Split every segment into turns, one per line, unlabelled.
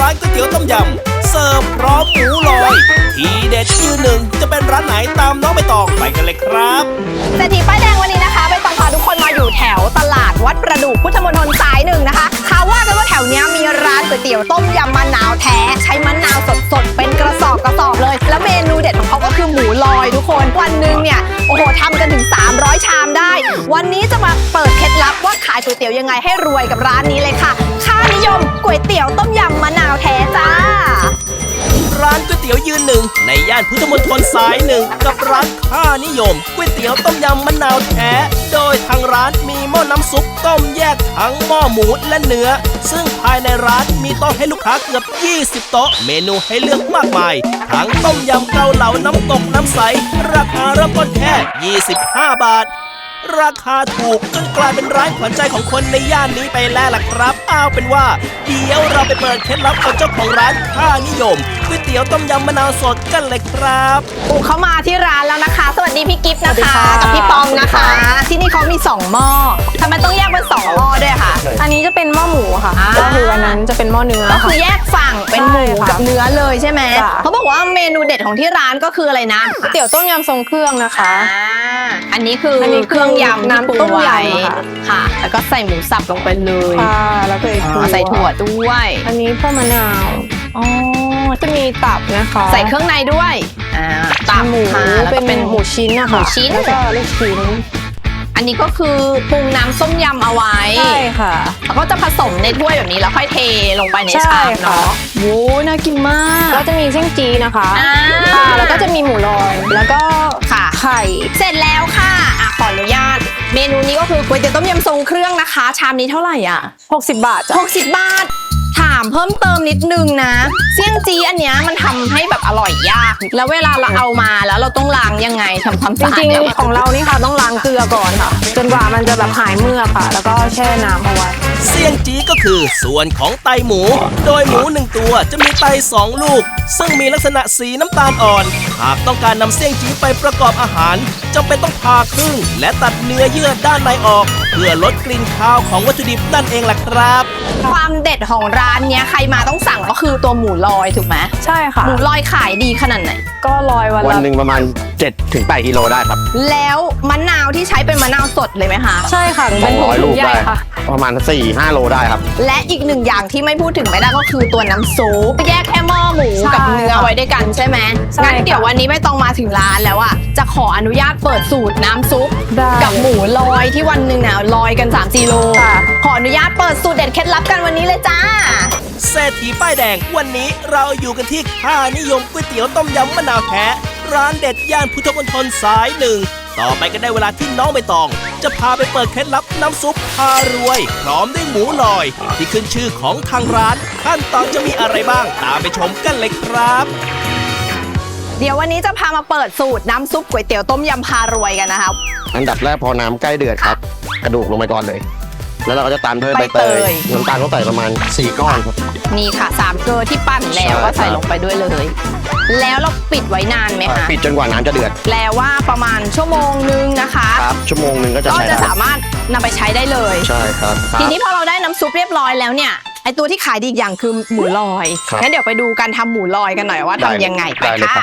านก๋วยเตี๋ยวต้มยำเสิร์ฟพร้อมหมูลอยทีเด็ดยืนหนึ่งจะเป็นร้านไหนตามน้องใบตองไปกันเลยครับ
เศรษฐีป้ายแดงวันนี้นะคะใบตองพาทุกคนมาอยู่แถวตลาดวัดประดู่พุทธมณฑลสายหนึ่งนะคะเขาว่ากันว่าแถวนี้มีร้านก๋วยเตี๋ยวต้มยำมะนาวแท้ใช้มะนาวสดๆเป็นกระสอบเลยแล้วเมนูเด็ดของเขาก็คือหมูลอยทุกคนวันหนึ่งเนี่ยโอ้โหทำกันถึง300ชามได้วันนี้จะมาเปิดเคล็ดลับว่าขายก๋วยเตี๋ยวยังไงให้รวยกับร้านนี้เลยค่ะค่านิยมก๋วยเตี๋ยวต้มยำมะนาวแท้จ้า
ร้านก๋วยเตี๋ยวยืนหนึ่งในย่านพุทธมณฑลสายหนึ่งกับร้านค่านิยมก๋วยเตี๋ยวต้มยำมะนาวแท้โดยทางร้านมีหม้อน้ำซุปต้มแยกทั้งหม้อหมูและเนื้อซึ่งภายในร้านมีโต๊ะให้ลูกค้าเกือบ20โต๊ะเมนูให้เลือกมากมายทั้งต้มยำเกาเหลาน้ำตกน้ำใสราคาเริ่มต้นแค่25 บาทราคาถูกจนกลายเป็นร้านขวัญใจของคนในย่านนี้ไปแล้วล่ะครับเอาเป็นว่าเดี๋ยวเราไปเปิดเคล็ดลับกับเจ้าของร้านค่านิยมก๋วยเตี๋ยวต้มยำมะนาวสดกันเลยครับ
เข้ามาที่ร้านแล้วนะคะสวัสดีพี่กิฟต์นะคะกับพี่ปอมนะคะที่นี่เขามี2หม้อทำไมต้องแยกเป็น2หม้อด้วยคะ
อันนี้จะเป็นหม้อหมูค่ะก็คืออันนั้นจะเป็นหม้อเนื้อ
ก็คือแยกฝั่งเป็นหมูกับเนื้อเลยใช่ไหมเขาบอกว่าเมนูเด็ดของที่ร้านก็คืออะไรนะ
ก๋วยเตี๋ยวต้มยำทรงเครื่องนะคะ
อันนี้คือเครื่องยำน้ำต้มยำค่ะแล้วก็ใส่หมูสับลงไปเลย
ค่ะแล้วก็
ใส่ถั่วด้วย
อันนี้พวกมะนาวจะมีตับนะคะ
ใส่เครื่องในด้วย
ตับหมูเป็นหมูชิ้นนะคะ
หมูชิ้น
แล้วก็ลูกชิ้น
อันนี้ก็คือปรุงน้ำส้มยำเอาไว้
ใช่ค่ะ
แล้วก็จะผสมในถ้วยแบบนี้แล้วค่อยเทลงไปในชามเนาะโว้น่ากินมาก
แล้วจะมีเส้นจีนะคะแล้วก็จะมีหมูลอยแล้วก็ไข่
เสร็จแล้วค่ะขออนุญาตเมนูนี้ก็คือก๋วยเตี๋ยวต้มยำทรงเครื่องนะคะชามนี้เท่าไหร่อ่ะ
60 บาทจ้ะ
60 บาทถามเพิ่มเติมนิดนึงนะเสี่ยงจีอันเนี้ยมันทำให้แบบอร่อยยากแล้วเวลาเราเอามาแล้วเราต้องล้างยังไงทำความสะอาด
จริงๆของเรานี่ค่ะต้องล้างเกลือก่อนค่ะจนกว่ามันจะแบบหายเมือกค่ะแล้วก็แช่น้ำเอาไว้
เสี่ยงจีก็คือส่วนของไตหมูโดยหมู1ตัวจะมีไต2ลูกซึ่งมีลักษณะสีน้ำตาลอ่อนหากต้องการนำเสี่ยงจีไปประกอบอาหารจำเป็นต้องผ่าครึ่งและตัดเนื้อเยื่อด้านในออกเพื่อลดกลิ่นคาวของวัตถุดิบนั่นเองล่ะครับ
ความเด็ดของร้านเนี้ยใครมาต้องสั่งก็คือตัวหมูลอยถูกไหม
ใช่ค่ะ
หมูลอยขายดีขนาดไหน
ก็ลอย
วันหนึ่งประมาณ7-8 กิโลได้ครับ
แล้วมะนาวที่ใช้เป็นมะนาวสดเลยไหมคะ
ใช่ค่ะเป็น
200 ลูกได้ค่ะประมาณ4-5 โลได้ครับ
และอีก1อย่างที่ไม่พูดถึงไม่ได้ก็คือตัวน้ำซุปแยกแค่หม้อหมูกับเนื้อไว้ด้วยกันใช่ไหมงั้นเดี๋ยววันนี้ไม่ต้องมาถึงร้านแล้วอ่ะจะขออนุญาตเปิดสูตรน้ำซุปกับหมูลอยที่วันหนึ่งเนี่ยลอยกัน3-4 โลขออนุญาตเปิดสูตรเด็ดเคล็ดลับกันวันนี้เลยจ้า
เศรษฐีป้ายแดงวันนี้เราอยู่กันที่ค่านิยมก๋วยเตี๋ยวต้มยำมะนาวแท้ร้านเด็ดย่านพุทธมณฑลสายหนึ่งต่อไปก็ได้เวลาที่น้องใบตองจะพาไปเปิดเคล็ดลับน้ำซุปพารวยพร้อมด้วยหมูลอยที่ขึ้นชื่อของทางร้านขั้นตอนจะมีอะไรบ้างตามไปชมกันเลยครับ
เดี๋ยววันนี้จะพามาเปิดสูตรน้ำซุปก๋วยเตี๋ยวต้มยำพารวยกันนะคะ
อันดับแรกพอน้ำใกล้เดือดครับกระดูกลงไปก่อนเลยแล้วเราก็จะตามด้วยใบเตยน้ำตาลก็ใส่ประมาณ4 ก้อนครับ
นี่ค่ะ3 เกลือที่ปั้นแล้วก็ใส่ลงไปด้วยเลยแล้วเราปิดไว้นานไหมคะ
ปิดจนกว่าน้ำจะเดือด
แปลว่าประมาณชั่วโมงนึงนะคะ
ครับชั่วโมงนึงก็
จะสามารถนำไปใช้ได้เลย
ใช่ครับ
ทีนี้พอเราได้น้ำซุปเรียบร้อยแล้วเนี่ยไอตัวที่ขายดีอีกอย่างคือหมูลอยงั้นเดี๋ยวไปดูการทำหมูลอยกันหน่อยว่าทำยังไงไปค่ะ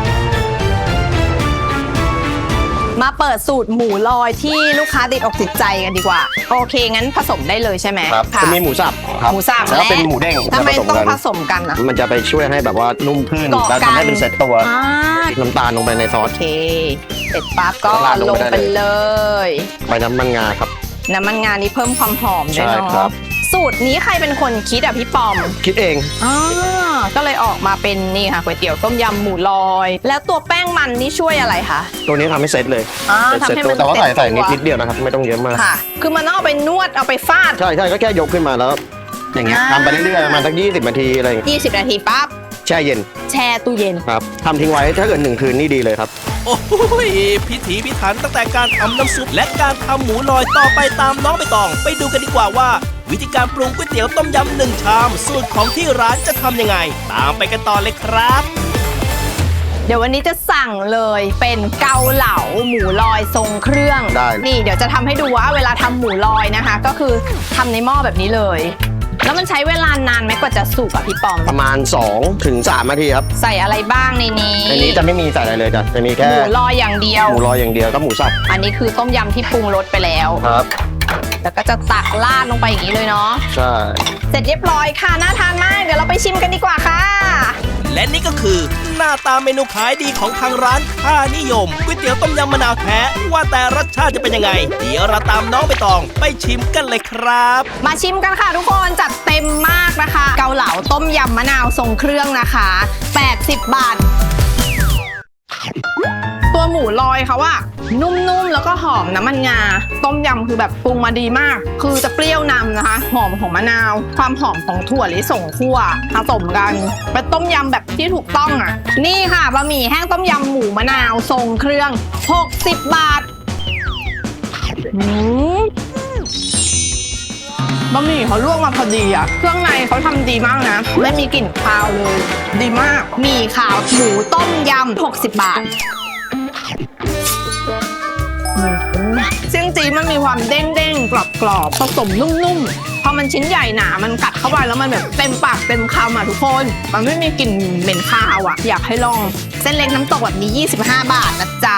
มาเปิดสูตรหมูลอยที่ลูกค้าติดอกติดใจกันดีกว่าโอเคงั้นผสมได้เลยใช่ไหม
ครับจะมีหมูสับครับ
หมูสับ
แล้วเป็นหมูเด้ง
ทำไมต้องผสมกันอ่ะ
มันจะไปช่วยให้แบบว่านุ่มขึ้นแล้วทำให้เป็นเซตตัวน้ำตาลลงไปในซอส
โอเคเสร็จปั๊บก็ลงไปเลย
ใบน้ำมันงาครับ
น้ำมันงานี้เพิ่มความหอมด้วยเนาะสูตรนี้ใครเป็นคนคิดอ่ะพี่ปอม
คิดเอง
ก็เลยออกมาเป็นนี่ค่ะก๋วยเตี๋ยวต้มยำหมูลอยแล้วตัวแป้งมันนี่ช่วยอะไรคะ
ตัวนี้ทำให้เซตเลย
ทำให้มัน
แต่ว่าใส่นิดเดียวนะครับไม่ต้องเยอะมาก
ค่ะคือมันต้องเอาไปนวดเอาไปฟาด
ใช่ก็แค่ยกขึ้นมาแล้วอย่างเงี้ยทำไปเรื่อยๆประมาณสัก20 นาทีอะไร
20 นาทีปั๊บ
แช่เย็น
แช่ตู้เย็น
ครับทำทิ้งไว้ถ้าเกิด1 คืนนี่ดีเลยครับ
โอ้ยพิถีพิถันตั้งแต่การทำน้ำซุปและการทำหมูลอยต่อไปตามน้องใบตองไปดูกันดีกว่าว่าวิธีการปรุงก๋วยเตี๋ยวต้มยำ1 ชามสูตรของที่ร้านจะทำยังไงตามไปกันต่อเลยครับ
เดี๋ยววันนี้จะสั่งเลยเป็นเกาเหลาหมูลอยทรงเครื่องนี่เดี๋ยวจะทำให้ดูว่าเวลาทำหมูลอยนะคะก็คือทำในหม้อแบบนี้เลยแล้วมันใช้เวลานานไหมกว่าจะสุกอะพี่ปอม
ประมาณ2 ถึง 3 นาทีครับ
ใส่อะไรบ้างในนี้
ในนี้จะไม่มีใส่อะไรเลยจ้ะจะมี
ห
แค่
มูลอยอย่างเดียว
หมูลอยอย่างเดียวกับหมูสับ
อันนี้คือต้มยำที่ปรุงรสไปแล้ว
ครับ
แล้วก็จะตักราดลงไปอย่างนี้เลยเนาะ
ใช่
เสร็จเรียบร้อยค่ะน่าทานมากเดี๋ยวเราไปชิมกันดีกว่าค่ะ
และนี่ก็คือหน้าตาเมนูขายดีของทางร้านค่านิยมก๋วยเตี๋ยวต้มยำมะนาวแท้ว่าแต่รสชาติจะเป็นยังไง เดี๋ยวเราตามน้องใบตองไปชิมกันเลยครับ
มาชิมกันค่ะทุกคนจัดเต็มมากนะคะ เกาเหลาต้มยำมะนาวทรงเครื่องนะคะ80 บาท ตัวหมูลอยเขาอะนุ่มๆแล้วก็หอมน้ำมันงาต้มยำคือแบบปรุงมาดีมาก คือจะเปรี้ยวนำนะคะหอมของมะนาวความหอมของถั่วลิสงคั่วผสมกันเป็นต้มยำแบบที่ถูกต้องอะนี่ค่ะบะหมี่แห้งต้มยำหมูมะนาวทรงเครื่อง60 บาทบะหมี่เขาลวกมาพอดีอะเครื่องในเขาทำดีมากนะไม่มีกลิ่นคาวเลยดีมากหมี่ขาวหมูต้มยำ60 บาทเสี่ยงจีมันมีความเด้งๆกรอบๆผสมนุ่มๆพอมันชิ้นใหญ่หนามันกัดเข้าไปแล้วมันแบบเต็มปากเต็มคำอ่ะทุกคนมันไม่มีกลิ่นเหม็นคาวอ่ะอยากให้ลองเส้นเล็กน้ำตกแบบนี้25 บาทนะจ๊ะ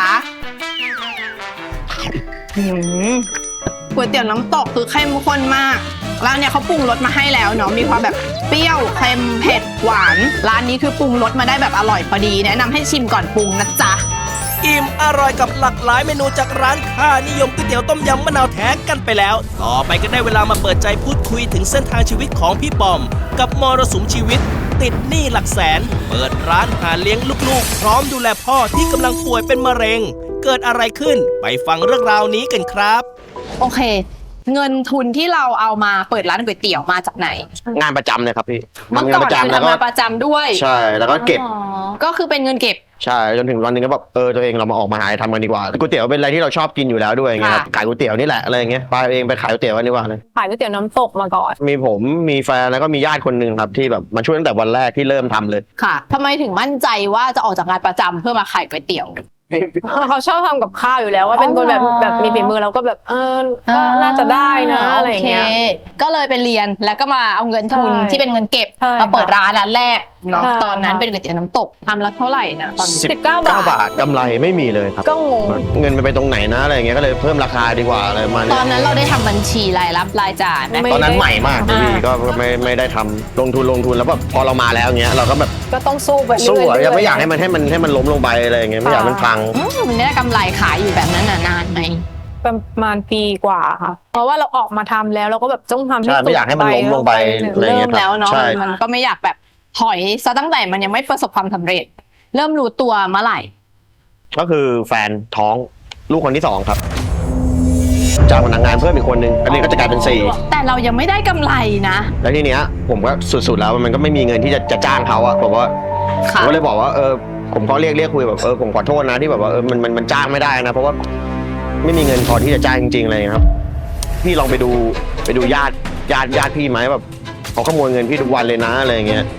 ก๋วยเตี๋ยวน้ำตกคือเข้มข้นมากร้านเนี่ยเขาปรุงรสมาให้แล้วเนาะมีความแบบเปรี้ยวเค็มเผ็ดหวานร้านนี้คือปรุงรสมาได้แบบอร่อยพอดีแนะนำให้ชิมก่อนปรุงนะจ๊ะ
อิ่มอร่อยกับหลากหลายเมนูจากร้านค่านิยมก๋วยเตี๋ยวต้มยำมะนาวแท้กันไปแล้ว ต่อไปก็ได้เวลามาเปิดใจพูดคุยถึงเส้นทางชีวิตของพี่ปอม กับมรสุมชีวิต ติดหนี้หลักแสน เปิดร้านหาเลี้ยงลูกๆ พร้อมดูแลพ่อที่กำลังป่วยเป็นมะเร็ง เกิดอะไรขึ้นไปฟังเรื่องราวนี้กันครับ
โอเค เงินทุนที่เราเอามาเปิดร้านก๋วยเตี๋ยวมาจากไหน
งานประจำเลยครับพี่
เมื่อก่อนคือทำงานประจำด้วย
ใช่แล้วก็เก็บ
อ๋อก็คือเป็นเงินเก็บ
ใช่จนถึงวันหนึงก็แบบตัวเองเรามาออกมาหาอะไรทำกันดีกว่าก๋วยเตี๋ยวเป็นอะไรที่เราชอบกินอยู่แล้วด้วยอย่างเงี้ยครับ
ค่ะ
ขายก๋วยเตี๋ยวนี่แหละอะไรอย่างเงี้ยไปเองไปขายก๋วยเตี๋ยวกันดีกว่าเลย
ขายก๋วยเตี๋ยวน้ำตกมาก่อน
มีผมมีแฟนแล้วก็มีญาติคนหนึ่งครับที่แบบมาช่วยตั้งแต่วันแรกที่เริ่มทำเลย
ค่ะทำไมถึงมั่นใจว่าจะออกจากงานประจำเพื่อมาขายก๋วยเตี๋ยว
เขาชอบทำกับข้าวอยู่แล้วว่าเป็นคนแบบมีฝีมือเราก็แบบก็น่าจะได้นะอะไรอย่างเงี้ย
โคก็เลยไปเรียนแล้วก็มาเอาเงินทุน
ใช่
ที่เป็นเงินเก็บ
ใช่
มาเปิดร้านแรกเนาะ
ใช่
ตอนนั้นเป็นก๋วยเตี๋ยวน้ำตกทำแล้วเท่าไหร่นะตอนนี้
19 บาท
บาทกำไรไม่มีเลยครับ
ก็งง
เงินไปตรงไหนนะอะไรอย่างเงี้ยก็เลยเพิ่มราคาดีกว่าอะไรประมาณ
ต
นี้
อนนั้นเราได้ทำบัญชีรายรับรายจ่ายไหม
ไม่
ตอนนั้นใหม่มากพี่
อ่า
ก็ไม่ได้ทำลงทุนแล้วแบบพอเรามาแล้วเงี้ยเราก็แบบ
ก็ต้องสู้ไปเรื่
สู้อะ
อยๆ
ยังไม่อยากให้มันล้มลงไปอะไรอย่างเงี้ยไม่อยากให้มันพัง
มันได้กำไรขายอยู่แบบนั้นน่ะนานไหม
ประมาณปีกว่าค่ะ เพราะว่าเราออกมาทำแล้วเราก็แบบต้องทำให้
ใช่ไม่อยากให้มันล้มลงไป อะไรอย่างเงี้
เริ่
ย
มแล้วเนาะ
ใช่
มันก็ไม่อยากแบบถอยซะตั้งแต่มันยังไม่ประสบความสำเร็จ เริ่มรู้ตัวเมื่อไหร่
ก็คือแฟนท้องลูกคนที่2ครับจ้างพนักงานเพิ่มอีกคนนึงอันนี้ก็จะกลายเป็น4
แต่เรายังไม่ได้กำไรนะ
แล้วทีเนี้ยผมก็สุดๆแล้วมันก็ไม่มีเงินที่จะจ้างเขาอะผมว่าผ
ค่ะ
มก็เลยบอกว่าผมก็เรียกคุยแบบผมขอโทษนะที่แบบว่ามันจ้างไม่ได้นะเพราะว่าไม่มีเงินพอที่จะจ้างจริงๆเลยครับพี่ลองไปดูญาติพี่ไหมแบบเขาขโมยเงินพี่ทุกวันเลยนะอะไรอย่างเงี้ย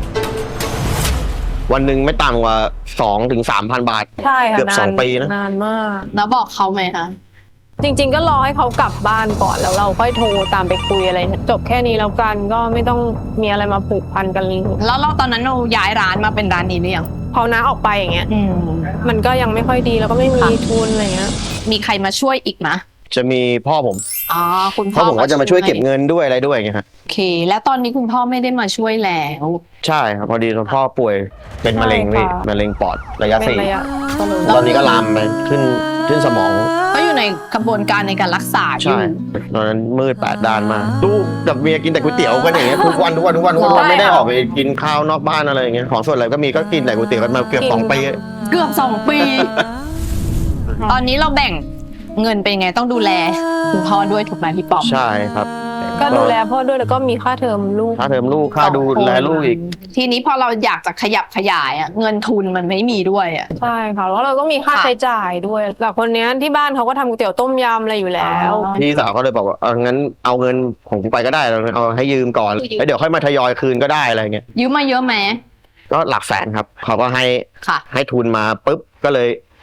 วันหนึ่งไม่ต่ำกว่า2 ถึง 3,000 บาท
ใช่ค่ะ
เกือบ2 ปีนะ
นานมาก
แล้วบอกเขาไหมคะ
จริงๆก็รอให้เขากลับบ้านก่อนแล้วเราค่อยโทรตามไปคุยอะไรจบแค่นี้แล้วกันก็ไม่ต้องมีอะไรมาผูกพันกัน
แล้วเราตอนนั้นเราย้ายร้านมาเป็นร้านนี้หรือยัง
พอน้าออกไปอย่างเงี้ย
อืม
มันก็ยังไม่ค่อยดีแล้วก็ไม่มี
ค่ะ
ทุนอะไรเงี้ย
มีใครมาช่วยอีกนะ
จะมีพ่อผม
อ๋อคุณ
เพ
พ่อ
ราะผมก็จะมาช่วยเก็บเงินด้วยอะไรด้วยไงครับ
โอเค แล้วตอนนี้คุณพ่อไม่ได้มาช่วยแล้ว
ใช่ครับพอดีพ่อป่วยเป็นมะเร็งพี่มะเร็งปอดระยะ
เป็น
4
ระยะ
ตอนนี้ก็ลามไปขึ้นสมอง
ก็อยู่ในกระบวนการในการรักษาอยู่
ใช่ตอนนั้นมืด8 ด้านมากลูกกับเมียกินแต่ก๋วยเตี๋ยวกันอย่างเงี้ยทุกวันไม่ได้ออกไปกินข้าวนอกบ้านอะไรอย่างเงี้ยของส่วนอะไรก็มีก็กินแต่ก๋วยเตี๋ยวกันมาเกือบ2 ปี
เกือบ2 ปี ตอนนี้เราแบ่งเงินเป็นไงต้องดูแลคุณพ่อด้วยถูกไหมพี่ปอม
ใช่ครับ
ก็ดูแลพ่อด้วยแล้วก็มีค่าเทอมลูก
ค่าเทอมลูกค่าดูแลลูกอีก
ทีนี้พอเราอยากจะขยับขยายอะเงินทุนมันไม่มีด้วยอะ
ใช่ค่ะแล้วเราก็มีค่า
ค่ะ
ใช้จ่ายด้วยแต่คนเนี้ยที่บ้านเขาก็ทำก๋วยเตี๋ยวต้มยำอะไรอยู่แล้ว
อ๋อ
พี่สาวก็เลยบอกว่างั้นเอาเงินของกูไปก็ได้เอาให้ยืมก่อนแล้วเดี๋ยวค่อยมาทยอยคืนก็ได้อะไรเงี้ย
ยืมมาเยอะไหม
ก็หลักแสนครับเขาก็ให้
ค่ะ
ให้ทุนมาปุ๊บก็เลย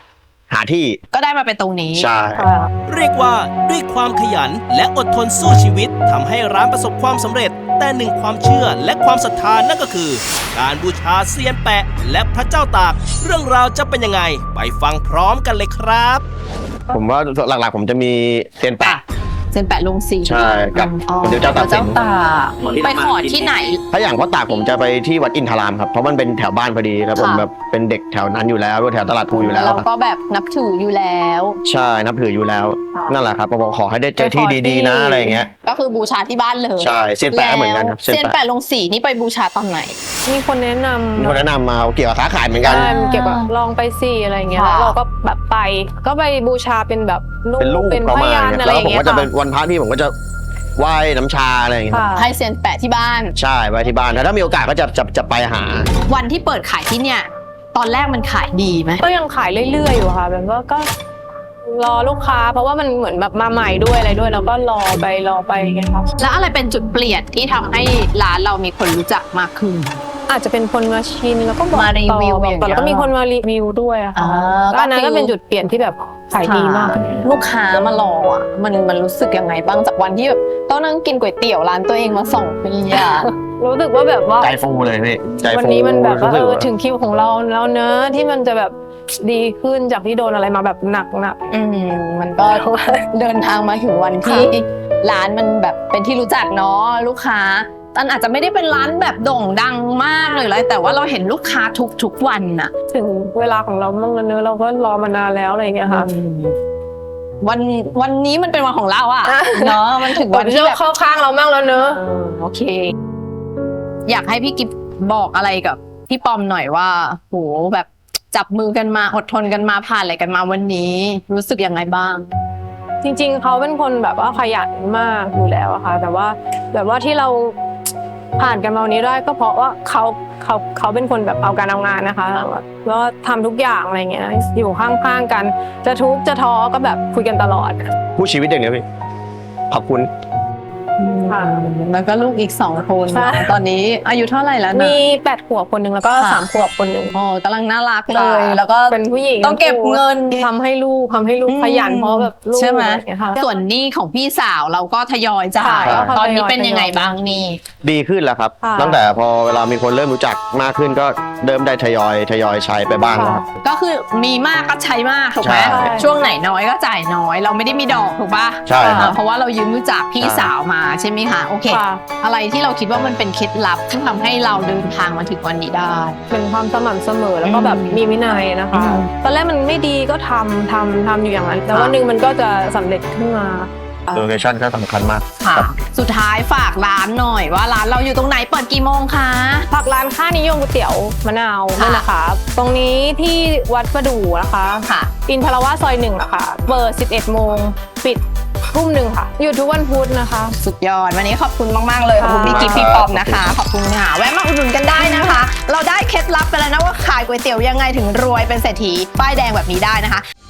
หาที่
ก็ได้มาเป็นตรงนี้
ใช่
เรียกว่าด้วยความขยันและอดทนสู้ชีวิตทำให้ร้านประสบความสำเร็จ แต่หนึ่งความเชื่อและความศรัทธานั่นก็คือ การบูชาเซียนแปะและพระเจ้าตาก เรื่องราวจะเป็นยังไงไปฟังพร้อมกันเลยครับ
ผมว่าหลักๆผมจะมีเซียนแปะ
เส้นแปะลงสี
ใช่กับ
อ๋อ
เดี๋ยวเจ้าตากสิน
ตากไปขอที่ไหน
ถ้าอย่างพ่อตากผมจะไปที่วัดอินทรามครับเพราะมันเป็นแถวบ้านพอดีแล้วผม
ค่ะ
แบบเป็นเด็กแถวนั้นอยู่แล้วแถวตลาดภูอยู่แล้ว
เรา
ครับ
ก็แบบนับถืออยู่แล้ว
ใช่นับถืออยู่แล้ว
ค่ะ
นั่นแหละครับผมขอให้ได้เจอที่ดีๆนะอะไรอย่างเงี้ย
ก็คือบูชาที่บ้านเลย
ใช่เซียนแปะก็เหมือนกันครับ
เซียนแปะลงสีนี่ไปบูชาตอนไหน
มีคนแนะนำ
มีคนแนะนำมาเกี่ยวกับค้าขายเหมือนกัน
ใช่เกี่ยวกับลองไปสิอะไรเงี้ย
ค่ะ
แล้วเราก็แบบไปก็ไปบูชาเป็นแบบลูก
เป็นลูก
เป็น
ประ
พ
มาณ
ยาน
เนี่ย
อะไร
แล้ว
อย่าง
ผม
เงี้ย
ก็จะ
ค่ะ
เป็นวันพระพี่ผมก็จะไหว้น้ำชาอะไรอย่างเงี้ย
ค่ะ
ให้เซียนแปะที่บ้าน
ใช่ไว้ที่บ้านถ้ามีโอกาสก็จะไปหา
วันที่เปิดขายที่เนี่ย ตอนแรกมันขายดีไหม
ก็ยังขายเรื่อยๆอยู่ค่ะแบบว่าก็รอลูกค้า เพราะว่ามันเหมือนแบบมาใหม่ด้วยอะไรด้วยแล้วก็รอไปอย่างเงี้ยครับ
แล้วอะไรเป็นจุดเปลี่ยนที่ทำให้ร้านเรามีคนรู้จักมากขึ้น
อาจจะเป็นคนมาชิมแล้วก็บอก
มารี
ต่อ
วิว
บอกต่อ
อย่างเงี้ย
แล้วก็มีคนมารีวิวด้วยอะค่ะ
อ่า
ก็อันนั้น
ก็คือ
ก็เป็นจุดเปลี่ยนที่แบบขายดีมาก
ลูกค้ามารออ่ะมันรู้สึกยังไงบ้างจากวันที่แบบต้องนั่งกินก๋วยเตี๋ยวร้านตัวเองมา2 ปีอ่ะ
รู้สึกว่าแบบว่า
ใจฟูเลยพี่ใจฟู
วันนี้มันแบบว่า
รู้สึกว่า
ถึงคิวของเราแล้วเนอะที่มันจะแบบดีขึ้นจากที่โดนอะไรมาแบบหนัก
มันก็เดินทางมาถึงวันที่ร้านมันแบบเป็นที่รู้จักเนาะลูกค้าตอนอาจจะไม่ได้เป็นร้านแบบโด่งดังมากเลยอะไรแต่ว่าเราเห็นลูกค้าทุกวันน่ะ
ๆถึงเวลาของเราบ้างแล้วเนอะเราก็รอมานานแล้วอะไรอย่างเงี้ยค่ะ
วันนี้มันเป็นวันของเราอ่ะ
อ่ะ
เนาะมันถึง
วั
วัน น
ที่
ที่
เรา
แบบ
เข้าข้างเรามากแล้วเนอะ
โอเค อยากให้พี่กิฟบอกอะไรกับพี่ปอมหน่อยว่าโหแบบจับมือกันมาอดทนกันมาผ่านอะไรกันมาวันนี้รู้สึกยังไงบ้าง
จริงๆเขาเป็นคนแบบว่าขยันมากอยู่แล้วอะค่ะแต่ว่าแบบว่าที่เราผ่านกันมาวันนี้ได้ก็เพราะว่าเขาเป็นคนแบบเอาการเอางานนะคะแล้วทำทุกอย่างอะไรเงี้ยอยู่ข้างๆกันจะทุกข์จะท้อก็แบบคุยกันตลอด
ผู้ชีวิตอย่างเดียวพี่ขอบคุณ
ค่ะ
แล้วก็ลูกอีก2 คน
ใช่
ตอนนี้อายุเท่าไหร่แล้วนะ
มี8 ขวบคนหนึ่งแล้วก็
ค่ะ
3 ขวบคนหนึ่ง
โอ้กำลังน่ารักเลย แล้วก็
เป็นผู้หญิง
ต้องเก็บเงิน
ทำให้ลูกขยันเพราะแบบลูก
ใช่ไหม
อะรอย่างเงี้ยค่ะ
ส่วนหนี้ของพี่สาวเราก็ทยอยจ่าย
ค่ะ
ตอนนี้เป็นยังไงบ้างนี่
ดีขึ้นแล้วครับ
ค่ะ
ตั้งแต่พอเวลามีคนเริ่มรู้จักมากขึ้นก็เริ่มได้ทยอยใช้ไปบ้างแล้วครับ
ก็คือมีมากก็ใช้มากถูกไหม
ใช่
ช่วงไหนน้อยก็จ่ายน้อย เราไม่ได้มีดอกถูกปะ
ใช่ครับ
เพราะว่าเรายืมรู้จักพี่สาวมาใช่ไหมคะโอเค
ค่ะ
อะไรที่เราคิดว่ามันเป็นเคล็ดลับที่ทำให้เราเดินทางมาถึงวันนี้ได้
เป็นความสม่ำเสมอแล้วก็แบบมีวินัยนะคะ
อืม
ตอนแรกมันไม่ดีก็ทำอยู่อย่างนั้น แต่วันหนึ่งมันก็จะสำเร็จขึ้นมา
โลเคชั่นก็สำคัญมาก
ค่ะ
ครับ
สุดท้ายฝากร้านหน่อยว่าร้านเราอยู่ตรงไหนเปิดกี่โมงคะ
ผักร้านค่านิยมก๋วยเตี๋ยวมะนาว
ค่ะ
นี่นะคะ ตรงนี้ที่วัดประดู่นะคะ
ค่ะ
อินทรวาสซอย1นะคะเปิด 11 โมงปิดทุ่ม 1ค่ะ อยู่ทุกวันพุธนะคะ
สุดยอดวันนี้ขอบคุณมากๆเลยขอบคุณพี่กิ๊ฟพี่ปอมนะคะขอบคุณค่ะแวะมาอุดหนุนกันได้นะคะ เราได้เคล็ดลับไปแล้วนะว่าขายก๋วยเตี๋ยวยังไงถึงรวยเป็นเศรษฐีป้ายแดงแบบนี้ได้นะคะ